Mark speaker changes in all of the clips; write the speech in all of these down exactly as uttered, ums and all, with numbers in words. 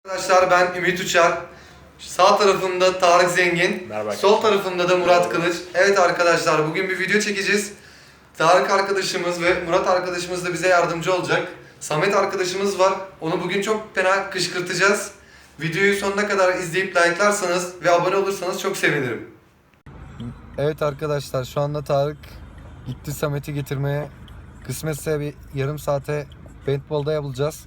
Speaker 1: Arkadaşlar ben Ümit Uçar. Sağ tarafımda Tarık Zengin.
Speaker 2: Merhaba.
Speaker 1: Sol tarafımda da Murat Kılıç. Evet arkadaşlar bugün bir video çekeceğiz. Tarık arkadaşımız ve Murat arkadaşımız da bize yardımcı olacak. Samet arkadaşımız var. Onu bugün çok fena kışkırtacağız. Videoyu sonuna kadar izleyip like'larsanız ve abone olursanız çok sevinirim. Evet arkadaşlar şu anda Tarık gitti Samet'i getirmeye. Kısmetse bir yarım saate paintball'da yapılacağız.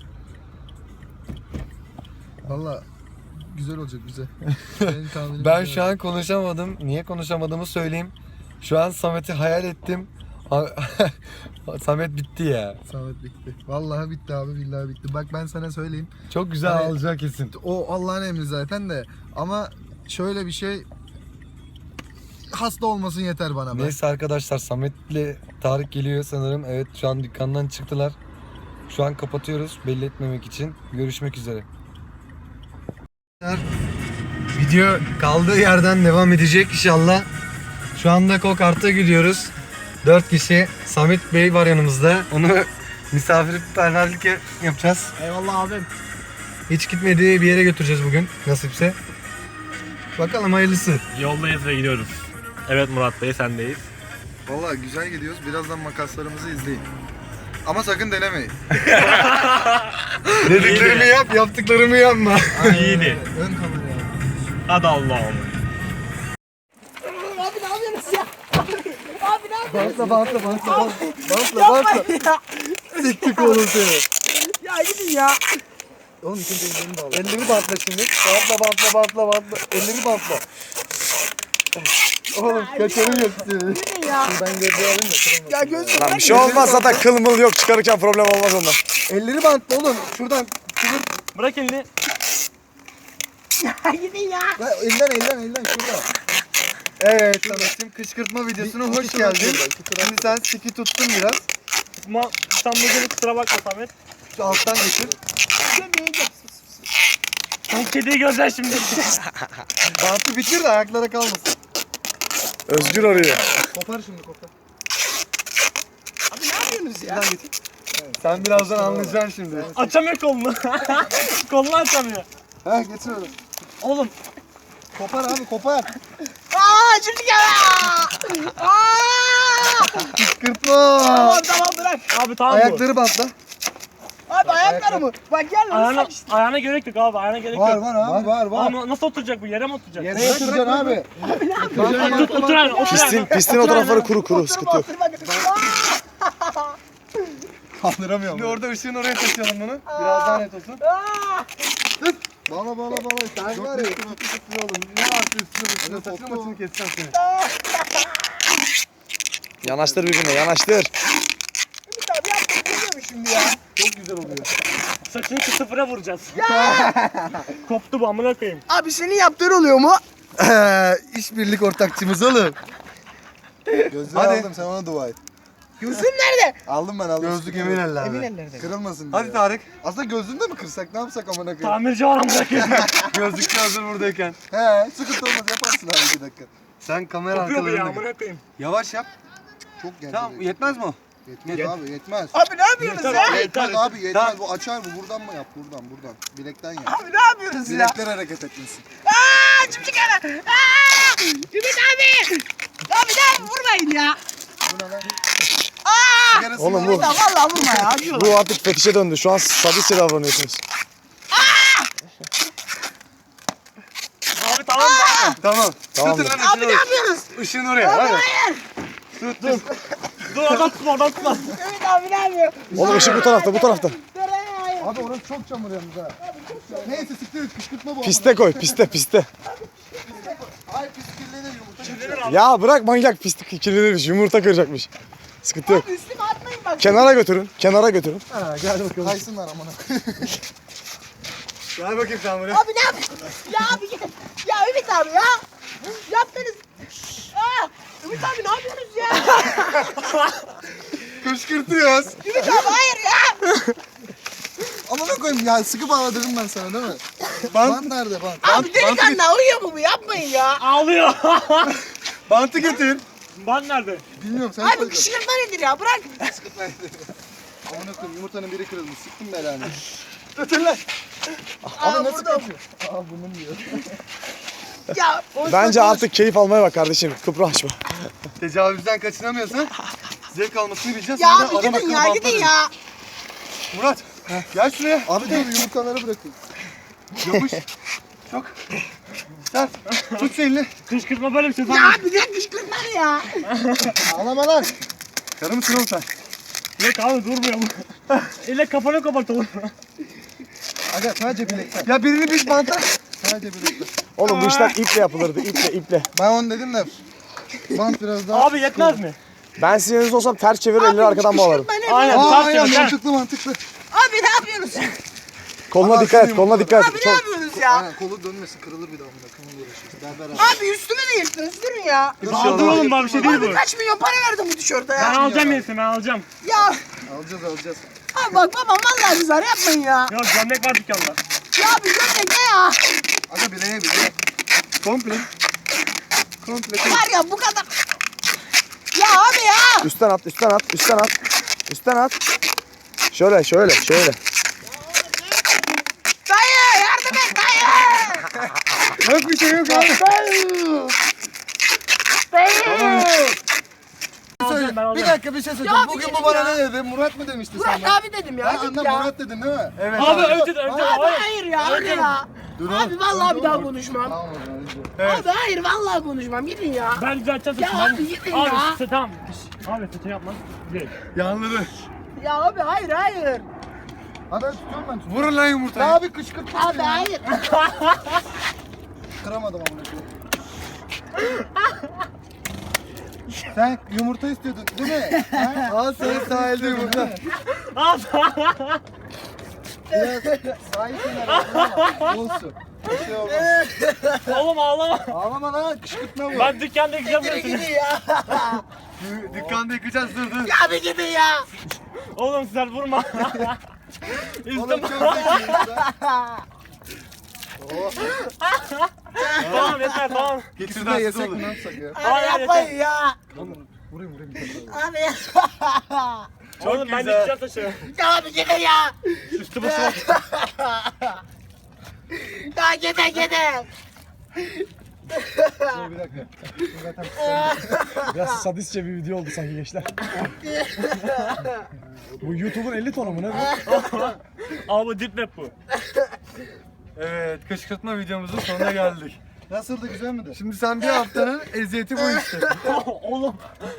Speaker 3: Valla güzel olacak bize.
Speaker 1: Ben şu an konuşamadım. Niye konuşamadığımı söyleyeyim. Şu an Samet'i hayal ettim. Samet bitti ya.
Speaker 3: Samet bitti. Vallahi bitti abi, billahi bitti. Bak ben sana söyleyeyim.
Speaker 1: Çok güzel
Speaker 3: Hani-
Speaker 1: alacak kesin.
Speaker 3: O Allah'ın emri zaten de. Ama şöyle bir şey, hasta olmasın yeter bana. be.
Speaker 1: Neyse arkadaşlar Samet'le Tarık geliyor sanırım. Evet şu an dükkandan çıktılar. Şu an kapatıyoruz belli etmemek için. Görüşmek üzere. Video kaldığı yerden devam edecek inşallah. Şu anda Kokart'a gidiyoruz. dört kişi. Samet Bey var yanımızda. Onu misafirperverlik yapacağız.
Speaker 2: Eyvallah abim.
Speaker 1: Hiç gitmediği bir yere götüreceğiz bugün nasipse. Bakalım hayırlısı.
Speaker 2: Yoldayız ve gidiyoruz. Evet Murat Bey sendeyiz.
Speaker 3: Vallahi güzel gidiyoruz. Birazdan makaslarımızı izleyin. Ama sakın denemeyin.
Speaker 1: Dediklerimi yap, yaptıklarımı yapma.
Speaker 2: İyiydi.
Speaker 3: Ön kamera.
Speaker 2: Hadi Allah'ım.
Speaker 4: Abi ne yapıyorsunuz ya? Abi ne yapıyorsunuz?
Speaker 3: Bantla bantla bantla bantla. Bantla bantla.
Speaker 4: Yapmayın ya.
Speaker 3: Siktik oğlum seni.
Speaker 4: Ya gidin ya.
Speaker 3: Oğlum ikinci ellerini bağla.
Speaker 1: Elleri bantla şimdi. Bantla, bantla, bantla, bantla. Elleri bantla. Oğlum kaçarım yok seni.
Speaker 4: Gidin ya.
Speaker 3: Ben gözü alayım da kırılmasın.
Speaker 4: Ya göz
Speaker 5: Lan bir şey olmaz zaten, kıl mıl yok, çıkarırken problem olmaz ondan.
Speaker 3: Elleri bantla oğlum. Şuradan kıvır.
Speaker 2: Bırak elini.
Speaker 4: Ya gidin ya.
Speaker 3: Lan elden elden elden şurada.
Speaker 1: Evet Samet'cim kışkırtma videosuna
Speaker 3: Bir-
Speaker 1: hoş
Speaker 3: iki taraf
Speaker 1: geldin.
Speaker 3: şurada, iki taraf
Speaker 1: Şimdi sen siki tuttun biraz.
Speaker 2: Ama sen bugün kusura bakma Samet.
Speaker 1: Şu alttan geçir.
Speaker 2: Sen kediyi göreceksin şimdi.
Speaker 1: Bantı bitir de ayaklara kalmasın.
Speaker 5: Özgür arıyor.
Speaker 3: Kopar şimdi kopar.
Speaker 4: Abi ne yapıyorsunuz ya?
Speaker 1: Sen birazdan anlayacaksın şimdi.
Speaker 2: Açamıyor kolunu. Kolunu açamıyor.
Speaker 3: Ha getir onu.
Speaker 2: Oğlum.
Speaker 3: Kopar abi kopar.
Speaker 4: Aa şimdi ya. Aa!
Speaker 1: Kışkırtma.
Speaker 4: Tamam tamam bırak.
Speaker 2: Abi tamam bu.
Speaker 1: Ayakları bantla.
Speaker 4: Abi ayaklarımı. Bak gel lan.
Speaker 2: Ayağına,
Speaker 4: sak işte.
Speaker 2: ayağına gerek yok abi, ayağına gerek
Speaker 3: Var
Speaker 2: yok.
Speaker 3: var abi var var.
Speaker 2: Ama nasıl oturacak bu, yere mi oturacak?
Speaker 3: Yere yatıracaksın abi.
Speaker 2: Otur, otur, otur ayağına, otur
Speaker 5: Pistin,
Speaker 2: ayağına.
Speaker 5: pistin o tarafları kuru kuru,
Speaker 4: Otur,
Speaker 5: sıkıntı yok.
Speaker 4: otur, bak. Aa!
Speaker 3: Kaldıramıyorum.
Speaker 1: Şimdi orada ışığın oraya taşıyalım bunu. Biraz daha net olsun.
Speaker 4: Aa!
Speaker 3: Bağla bağla bağla. Sen var ya.
Speaker 1: oğlum. Ne varsa üstüne üstüne. Saçını
Speaker 3: koptu.
Speaker 1: maçını keseceğim seni.
Speaker 5: Yanaştır birbirine, yanaştır.
Speaker 4: Ümit abi yaptın biliyor musun şimdi ya?
Speaker 1: Çok güzel oluyor.
Speaker 2: Saçını iki sıfıra vuracağız. Koptu bu, amına koyayım.
Speaker 4: Abi senin yaptığın oluyor mu?
Speaker 1: İşbirlik ortakçımız oğlum.
Speaker 3: Gözlüğü
Speaker 1: Hadi.
Speaker 3: aldım, sen ona dua et.
Speaker 4: Gözün nerede?
Speaker 3: Aldım ben aldım.
Speaker 1: Gözlük emin
Speaker 4: Emin
Speaker 1: ellerde.
Speaker 4: ellerde.
Speaker 3: Kırılmasın diye.
Speaker 1: Hadi Tarık.
Speaker 3: Aslında gözlüğünü de mi kırsak, ne yapsak amına koyayım?
Speaker 2: Tamirci var amına koyayım.
Speaker 1: Gözlükçü hazır buradayken.
Speaker 3: He, sıkıntı olmaz, yaparsın abi iki dakika.
Speaker 1: Sen kamera
Speaker 2: Kopuyor bu ya,
Speaker 1: arkalarında.
Speaker 2: amına koyayım.
Speaker 1: Yavaş yap.
Speaker 3: Çok geldi.
Speaker 1: Tamam yetmez mi o?
Speaker 3: Yetmez
Speaker 1: Yet-
Speaker 3: abi, yetmez.
Speaker 4: Abi ne yapıyorsunuz
Speaker 2: Yeter
Speaker 4: ya?
Speaker 2: abi.
Speaker 3: Yetmez
Speaker 2: yeter.
Speaker 3: abi, yetmez. Bu açar bu. Buradan mı yap? Buradan, buradan. Bilekten yap.
Speaker 4: Abi ne yapıyorsunuz ya?
Speaker 3: Bilekler hareket etmesin.
Speaker 4: Aaa cimcik ana. Aaa. Ümit abi. Abi ne vurmayın ya.
Speaker 3: Bu ne lan?
Speaker 4: Aaa.
Speaker 3: Sigarası
Speaker 5: Oğlum
Speaker 3: var
Speaker 5: bu-
Speaker 3: mı?
Speaker 4: Ya vallahi vurma ya. Acıyor.
Speaker 5: Bu artık fetişe döndü, şu an sadistçe davranıyorsunuz.
Speaker 2: Abi tamam mı?
Speaker 1: Tamam.
Speaker 5: Tamam.
Speaker 1: Tutun lan
Speaker 4: Abi
Speaker 1: ışığını
Speaker 4: ne
Speaker 1: oraya.
Speaker 4: yapıyorsunuz?
Speaker 1: Işığını oraya. Hadi.
Speaker 4: Hayır.
Speaker 1: Tut dur.
Speaker 2: Dur oradan tutma, oradan tutma.
Speaker 4: Ümit abi ne yapıyor?
Speaker 5: Oğlum ışık bu tarafta, bu tarafta.
Speaker 4: Nereye? Hayır.
Speaker 3: Abi orası çok çamur yalnız ha. Neyse siktir et, kışkırtma bu.
Speaker 5: Piste koy, piste, piste.
Speaker 3: Ay pis kirlenir, yumurta kaçıyor.
Speaker 5: Ya bırak manyak, pislik kirlenirmiş, yumurta kıracakmış. Sıkıntı yok.
Speaker 4: Abi üstüme atmayın bak.
Speaker 5: Kenara götürün, kenara götürün.
Speaker 1: Ha, gel bakalım.
Speaker 3: Kaysınlar amına.
Speaker 1: Gel bakayım sen buraya.
Speaker 4: Abi ne yapıyorsun? Ya abi git. Ya Ümit abi ya. Yaptınız. Aa. Ümit abi ne yapıyorsunuz ya?
Speaker 1: Kışkırtıyoruz.
Speaker 4: Ümit abi hayır ya.
Speaker 3: Amına koyayım ya, sıkı bağladırım ben sana değil mi?
Speaker 1: Bant,
Speaker 3: Bant nerede bant?
Speaker 4: Abi delikanlı uyuyor mu bu? Yapmayın ya.
Speaker 2: Ağlıyor.
Speaker 1: bantı getir.
Speaker 2: Ben nerede?
Speaker 3: Bilmiyorum, sen
Speaker 4: Abi
Speaker 3: söyle.
Speaker 4: kışkırtma nedir ya? Bırak.
Speaker 3: Amına koyayım, yumurtanın biri kırılmış. Sıktım belanı.
Speaker 1: Tutun lan.
Speaker 3: Abi nasıl kapıyor? Aa bunun diyor.
Speaker 4: Ya boş
Speaker 5: Bence
Speaker 4: boş.
Speaker 5: artık keyif almaya bak kardeşim. Kıpraşma.
Speaker 1: Tecavüzden kaçınamıyorsan zevk almasını bileceğiz.
Speaker 4: Ya
Speaker 1: Sonra
Speaker 4: abi
Speaker 1: adam
Speaker 4: gidin
Speaker 1: akıllı
Speaker 4: ya
Speaker 1: bantla
Speaker 4: gidin
Speaker 1: dedim.
Speaker 4: ya.
Speaker 1: Murat gel şuraya.
Speaker 3: Abi dur yumurtaları bırakın.
Speaker 1: Yapış. Çok sert. Tut şu elini.
Speaker 2: Kışkırtma böyle bir şey.
Speaker 4: Ya bir de kışkırtma ne ya?
Speaker 3: Ağlama lan.
Speaker 1: Karı mısın oğlum sen?
Speaker 2: Yok abi durmuyor bu. Elle kafana kapatalım.
Speaker 3: Aga sadece bilekler.
Speaker 1: Ya birini biz bantla.
Speaker 3: Sadece bilekler.
Speaker 5: Oğlum bu işler iple yapılırdı. İple iple.
Speaker 3: Ben onu dedim de bant biraz daha.
Speaker 2: Abi yetmez mi?
Speaker 5: Ben sizin yerinizde olsam ters çevirir elleri arkadan bağlarım.
Speaker 4: Kışkırtma ne?
Speaker 2: Aynen.
Speaker 3: Aa
Speaker 2: Ters
Speaker 3: aynen
Speaker 2: çevir, gel.
Speaker 3: mantıklı mantıklı.
Speaker 4: Abi ne yapıyorsunuz?
Speaker 5: Koluna
Speaker 3: Ama
Speaker 5: dikkat et,
Speaker 3: şimdi
Speaker 5: koluna dikkat
Speaker 4: Abi
Speaker 5: et.
Speaker 4: ne
Speaker 5: Çok...
Speaker 4: yapıyorsunuz ya?
Speaker 3: Aynen kolu dönmesin kırılır bir daha bunda. Kımıl uğraşırız. Berber abi.
Speaker 4: Abi üstüme de yırttınız durun ya.
Speaker 2: Aldım oğlum bana bir şey değil
Speaker 4: Abi
Speaker 2: bu.
Speaker 4: kaç milyon para verdim bu tişörte
Speaker 2: Ben
Speaker 4: ya.
Speaker 2: alacağım yenisini ben alacağım.
Speaker 4: Ya
Speaker 3: Alacağız alacağız.
Speaker 4: abi bak babam vallahi güzel yapmayın ya.
Speaker 2: Yok gömlek var dükkanda.
Speaker 4: Ya abi gömlek ne ya?
Speaker 3: Aga bileğe bileğe.
Speaker 1: Komple. Komple.
Speaker 4: Var ya bu kadar. Ya abi ya.
Speaker 5: Üstten at, üstten at, üstten at. Üstten at. Şöyle, şöyle, şöyle.
Speaker 4: Dayı yardım et dayı.
Speaker 1: Yok bir şey yok abi.
Speaker 4: Dayı. Dayı.
Speaker 2: Alacağım, ben
Speaker 3: Bir
Speaker 2: alacağım.
Speaker 3: dakika bir şey söyleyeceğim.
Speaker 4: Ya bir
Speaker 3: Bugün
Speaker 4: gidin
Speaker 3: bu bana
Speaker 4: ya.
Speaker 3: ne dedi? Murat mı demişti
Speaker 4: Burak
Speaker 3: sana?
Speaker 4: abi dedim ya.
Speaker 3: Ben
Speaker 4: git
Speaker 3: annem
Speaker 4: ya.
Speaker 3: Murat dedin değil mi?
Speaker 1: Evet
Speaker 2: Abi önce önce
Speaker 4: Abi
Speaker 2: hayır.
Speaker 4: hayır ya öyle ya.
Speaker 3: Dur
Speaker 4: Abi vallahi bir daha konuşmam.
Speaker 3: Tamam o zaman izle.
Speaker 4: Abi hayır vallahi konuşmam gidin ya.
Speaker 2: Ben düzelteceğim
Speaker 4: Ya
Speaker 2: saçını.
Speaker 4: abi gidin
Speaker 2: Abi
Speaker 4: ya.
Speaker 2: işte tamam. Abi saçını yapma. Değil.
Speaker 1: Yanladı.
Speaker 4: Ya abi hayır hayır.
Speaker 3: Hadi ben tutuyorum ben tutuyorum.
Speaker 1: Vurun lan yumurtayı.
Speaker 3: Ya abi kışkırtma.
Speaker 4: Abi hayır.
Speaker 3: Kıramadım amına koyayım. Sen yumurta istiyordun değil mi? Ha?
Speaker 1: Al sana sahilde yumurta.
Speaker 2: Al.
Speaker 3: Biraz sahil kenarı ama olsun. Bir şey olmaz.
Speaker 2: Oğlum ağlama.
Speaker 3: Ağlama lan kışkırtma bu.
Speaker 2: Ben dükkanda yıkayacağım
Speaker 4: Gidin
Speaker 2: hepsini.
Speaker 4: gidin ya.
Speaker 1: Dükkanda yıkayacağız dur dur.
Speaker 4: Ya bir gidin ya.
Speaker 2: Oğlum sen vurma.
Speaker 3: Oğlum
Speaker 2: Üstüm.
Speaker 3: çok zekiyim
Speaker 2: Tamam yeter tamam.
Speaker 1: Getir
Speaker 3: Şurada
Speaker 1: daha
Speaker 3: yesek
Speaker 1: olur.
Speaker 3: mi ne yapsak ya?
Speaker 4: Abi
Speaker 2: Hayır,
Speaker 4: yapmayın ya.
Speaker 3: Vurayım vurayım.
Speaker 4: Abi
Speaker 2: Oğlum ben
Speaker 1: güzel.
Speaker 2: yıkayacağım taşı.
Speaker 4: ya abi gidin ya.
Speaker 2: Üstü başı var.
Speaker 4: Ya gidin gidin.
Speaker 3: Dur bir dakika. Zaten
Speaker 5: Biraz sadistçe bir video oldu sanki gençler. Bu YouTube'un elli tonu mu ne bu?
Speaker 2: Abi bu dip web bu.
Speaker 1: Evet kışkırtma videomuzun sonuna geldik.
Speaker 3: nasıldı güzel miydi?
Speaker 1: Şimdi sen bir haftanın eziyeti bu işte.
Speaker 2: Oğlum.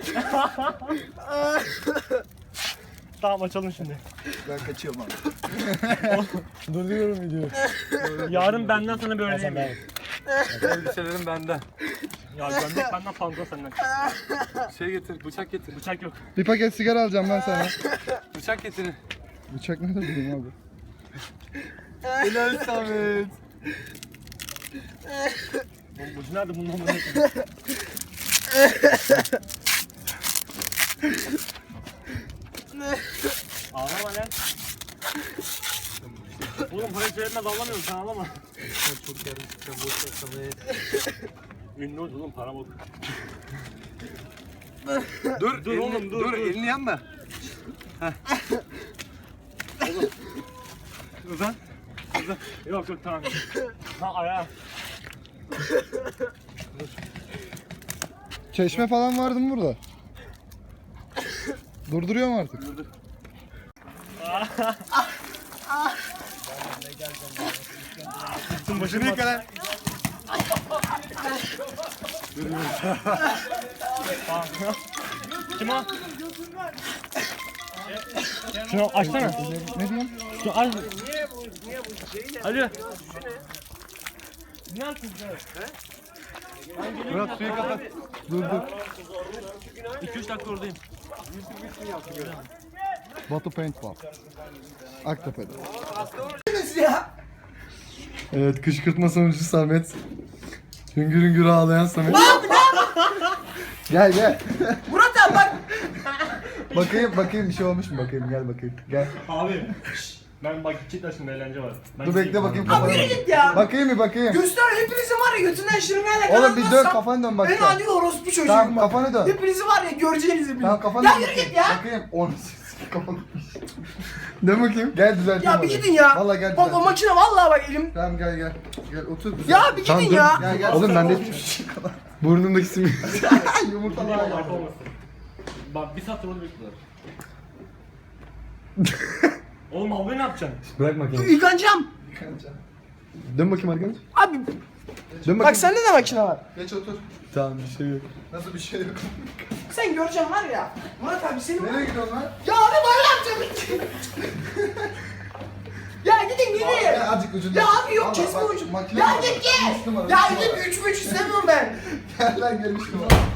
Speaker 2: Tamam açalım şimdi.
Speaker 3: Ben kaçıyorum abi.
Speaker 5: Durduruyorum videoyu.
Speaker 2: Yarın benden sana bir öğreneyim. Ya
Speaker 1: Elbiselerim benden.
Speaker 2: gömlek benden fazla senden.
Speaker 1: Şey getir, bıçak getir.
Speaker 2: Bıçak yok.
Speaker 3: Bir paket sigara alacağım ben sana.
Speaker 1: Bıçak getirin.
Speaker 3: Bıçak ne de bileyim abi.
Speaker 1: Helal Samet.
Speaker 2: Oğlum ucu nerede bunun amına koyayım? Ağlama lan. Oğlum parayı söylemez ağlamıyorum sen ağlama.
Speaker 1: Çok yardım çıkacağım boş ver Samet.
Speaker 2: Ünlü oldu oğlum para bok.
Speaker 1: Dur,
Speaker 2: Dur
Speaker 1: elini,
Speaker 2: oğlum, dur,
Speaker 1: dur,
Speaker 2: dur.
Speaker 1: elini yanma. Heh. Oğlum. Uzan.
Speaker 2: Yok yok tamam. Ha ayağı.
Speaker 3: Çeşme falan vardı mı burada? Durduruyorum artık.
Speaker 2: Üstün başını
Speaker 1: Şunu yıka lan.
Speaker 2: Kim o? Şunu açsana.
Speaker 3: Ne diyorsun?
Speaker 2: Şunu aç. Hadi. Ne yaptın sen?
Speaker 1: Murat suyu kapat.
Speaker 3: Dur dur.
Speaker 2: iki üç dakika oradayım.
Speaker 3: Batu Paintball. Aktepe'de.
Speaker 1: Evet, kışkırtma sonucu Samet. Hüngür hüngür ağlayan Samet.
Speaker 3: Gel gel.
Speaker 4: Murat abi bak.
Speaker 3: Bakayım bakayım bir şey olmuş mu bakayım gel bakayım. Gel.
Speaker 2: Abi. Ben bak gidecekler şimdi eğlence var. Ben
Speaker 3: Dur bekle
Speaker 2: gideyim.
Speaker 3: bakayım
Speaker 4: Abi
Speaker 3: kafana.
Speaker 4: yürü git ya.
Speaker 3: Bakayım bir bakayım.
Speaker 4: Göster hepinizin var ya götünden şırıngayla
Speaker 3: Oğlum bir dön kafanı dön
Speaker 4: Ben
Speaker 3: bakayım.
Speaker 4: hadi orospu çocuğum
Speaker 3: Tamam
Speaker 4: bak.
Speaker 3: kafanı dön.
Speaker 4: Hepinizi var ya göreceğinizi bilin.
Speaker 3: Tamam kafanı
Speaker 4: Ya
Speaker 3: dön.
Speaker 4: yürü git ya.
Speaker 3: Bakayım. Onu kafanı. Dön bakayım. Gel düzelteyim.
Speaker 4: Ya bir
Speaker 3: orayı.
Speaker 4: gidin ya.
Speaker 3: Vallahi gel
Speaker 4: Bak o
Speaker 3: düzelteyim.
Speaker 4: makine vallahi bak elim.
Speaker 3: Tamam gel gel. Gel otur. düzelt.
Speaker 4: Ya bir gidin ya.
Speaker 3: Gel gel.
Speaker 5: Oğlum ben de burnumdaki simi.
Speaker 3: Yumurtalar
Speaker 2: Bak
Speaker 3: var.
Speaker 2: olmasın. Bak bir saattir orada bekliyorlar. Oğlum abi ne yapacaksın?
Speaker 5: Bırak makineyi.
Speaker 4: Yıkanacağım.
Speaker 5: Dön bakayım arkadaş.
Speaker 4: Abi
Speaker 5: Dön
Speaker 4: bak
Speaker 5: bakayım.
Speaker 4: sende de makine var.
Speaker 3: Geç otur.
Speaker 5: Tamam bir şey yok.
Speaker 3: Nasıl bir şey yok.
Speaker 4: Sen göreceksin var ya. Murat abi senin...
Speaker 3: Nereye gidiyorsun lan?
Speaker 4: Ya abi böyle yapacağım. Ya gidin gidin.
Speaker 3: Ya azıcık ucunda.
Speaker 4: Ya abi yok
Speaker 3: Vallahi
Speaker 4: kesme
Speaker 3: bak,
Speaker 4: ucu.
Speaker 3: makine
Speaker 4: Ya
Speaker 3: var.
Speaker 4: git git.
Speaker 3: Üç numara,
Speaker 4: Ya
Speaker 3: üç numara.
Speaker 4: git üç üç istemiyorum ben.
Speaker 3: Gel lan gel üç numara.